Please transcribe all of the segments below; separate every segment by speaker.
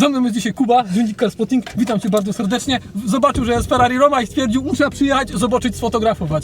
Speaker 1: Ze mną jest dzisiaj Kuba, Dziennik Car Spotting. Witam Cię bardzo serdecznie. Zobaczył, że jest Ferrari Roma i stwierdził, muszę przyjechać, zobaczyć, sfotografować.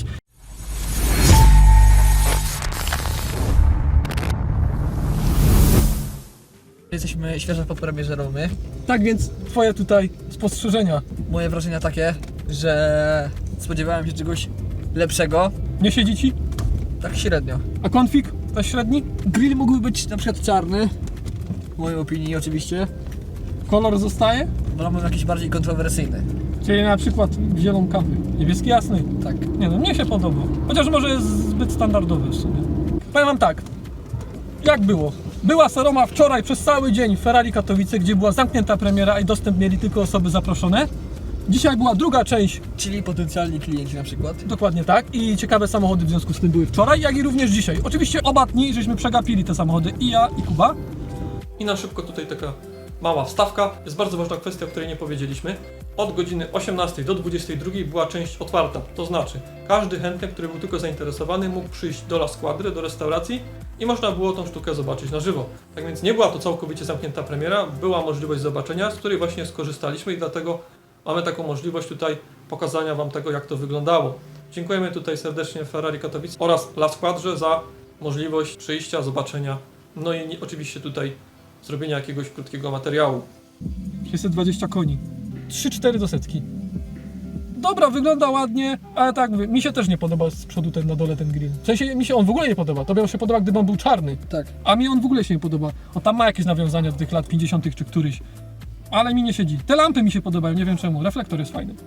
Speaker 2: Jesteśmy świeżo po premierze Romy.
Speaker 1: Tak więc Twoje tutaj spostrzeżenia.
Speaker 2: Moje wrażenia takie, że spodziewałem się czegoś lepszego,
Speaker 1: Nie siedzi Ci?
Speaker 2: tak średnio.
Speaker 1: A konfig? Też średni?
Speaker 2: Grill mógłby być na przykład czarny, w mojej opinii oczywiście,
Speaker 1: Kolor zostaje?
Speaker 2: wolałbym jakiś bardziej kontrowersyjny.
Speaker 1: Czyli na przykład zieloną kawy. Niebieski jasny.
Speaker 2: Tak.
Speaker 1: Nie no, mnie się podoba. Chociaż może jest zbyt standardowy w sumie. Powiem Wam tak. Jak było? Była Roma wczoraj przez cały dzień w Ferrari Katowice, gdzie była zamknięta premiera i dostęp mieli tylko osoby zaproszone. Dzisiaj była druga część,
Speaker 2: Czyli potencjalni klienci na przykład.
Speaker 1: dokładnie tak, i ciekawe samochody w związku z tym były wczoraj, jak i również dzisiaj. Oczywiście oba dni żeśmy przegapili te samochody, i ja, i Kuba. I na szybko tutaj taka mała wstawka. Jest bardzo ważna kwestia, o której nie powiedzieliśmy. Od godziny 18 do 22 była część otwarta. To znaczy, każdy chętny, który był tylko zainteresowany, mógł przyjść do La Squadry, do restauracji i można było tą sztukę zobaczyć na żywo. Tak więc nie była to całkowicie zamknięta premiera, była możliwość zobaczenia, z której właśnie skorzystaliśmy i dlatego mamy taką możliwość tutaj pokazania Wam tego, jak to wyglądało. Dziękujemy tutaj serdecznie Ferrari Katowice oraz La Squadrze za możliwość przyjścia, zobaczenia, no i oczywiście tutaj zrobienia jakiegoś krótkiego materiału. 620 koni. 3-4 do setki. Dobra, wygląda ładnie, ale tak mówię, mi się też nie podoba z przodu ten na dole ten grill. W sensie mi się on w ogóle nie podoba. Tobie on się podoba, gdyby on był czarny.
Speaker 2: Tak.
Speaker 1: A mi on w ogóle się nie podoba. On tam ma jakieś nawiązania do tych lat 50. czy któryś. Ale mi nie siedzi. Te lampy mi się podobają, nie wiem czemu. Reflektor jest fajny.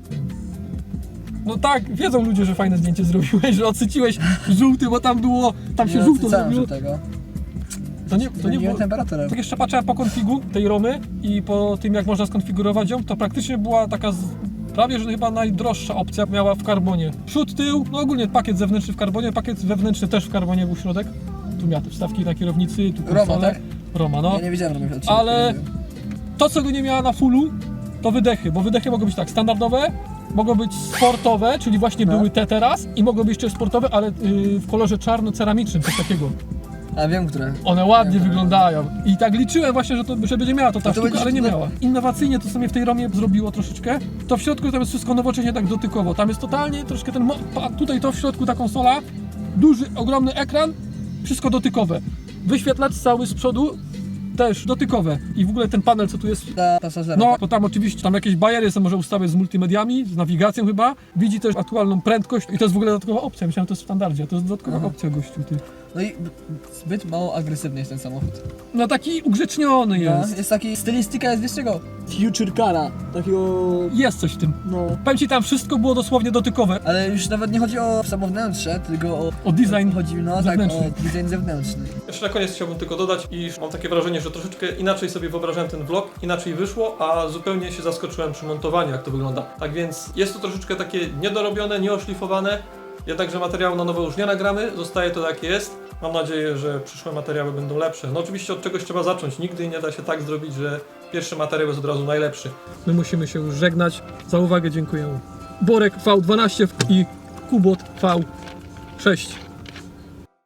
Speaker 1: No tak, wiedzą ludzie, że fajne zdjęcie zrobiłeś, że odsyciłeś żółty, bo tam było, tam się żółto zrobiło.
Speaker 2: tego.
Speaker 1: To nie było.
Speaker 2: temperaturę.
Speaker 1: Tak jeszcze patrzyłem po konfigu tej Romy i po tym, jak można skonfigurować ją, to praktycznie była taka prawie, że chyba najdroższa opcja, miała w karbonie. Przód, tył, no ogólnie pakiet zewnętrzny w karbonie, pakiet wewnętrzny też w karbonie był środek. Tu miała te wstawki na kierownicy, tu konsole.
Speaker 2: Roma, tak?
Speaker 1: Roma, no.
Speaker 2: Ja nie wiedziałem, że
Speaker 1: Ale to, co go nie miała na fullu, to wydechy, bo wydechy mogą być tak standardowe, mogą być sportowe, czyli właśnie były te teraz, i mogą być jeszcze sportowe, ale w kolorze czarno-ceramicznym, coś takiego.
Speaker 2: A wiem, które.
Speaker 1: One ładnie wyglądają i tak liczyłem właśnie, że będzie miała to ta
Speaker 2: to
Speaker 1: sztuka,
Speaker 2: będzie-
Speaker 1: ale nie miała. Innowacyjnie to sobie w tej Romie zrobiło troszeczkę. To w środku tam jest wszystko nowocześnie tak dotykowo. Tam jest totalnie troszkę ten, tutaj to w środku ta konsola, duży, ogromny ekran, wszystko dotykowe. Wyświetlacz cały z przodu, też dotykowe. I w ogóle ten panel, co tu jest,
Speaker 2: Dla pasażera.
Speaker 1: no, to tam oczywiście tam jakieś bariery są, może ustawiać z multimediami, z nawigacją chyba. Widzi też aktualną prędkość i to jest w ogóle dodatkowa opcja. Myślałem, że to jest w standardzie, a to jest dodatkowa opcja, gościu, ty.
Speaker 2: No i zbyt mało agresywny jest ten samochód.
Speaker 1: No taki ugrzeczniony jest.
Speaker 2: No, jest taki, stylistyka jest, wiesz czego? Future cara, takiego,
Speaker 1: Jest coś w tym.
Speaker 2: no.
Speaker 1: Powiem Ci, tam wszystko było dosłownie dotykowe.
Speaker 2: Ale już nawet nie chodzi o samo wnętrze, tylko
Speaker 1: O design
Speaker 2: chodzi, no tak,
Speaker 1: zewnętrzny.
Speaker 2: o design zewnętrzny.
Speaker 3: Jeszcze na koniec chciałbym tylko dodać, iż mam takie wrażenie, że troszeczkę inaczej sobie wyobrażałem ten vlog, inaczej wyszło, a zupełnie się zaskoczyłem przy montowaniu, jak to wygląda. Tak więc jest to troszeczkę takie niedorobione, nieoszlifowane, jednakże materiału na nowo już nie nagramy, zostaje to jakie jest. Mam nadzieję, że przyszłe materiały będą lepsze. No oczywiście od czegoś trzeba zacząć, nigdy nie da się tak zrobić, że pierwszy materiał jest od razu najlepszy.
Speaker 1: My musimy się już żegnać. Za uwagę dziękujemy. Borek V12 i Kubot V6.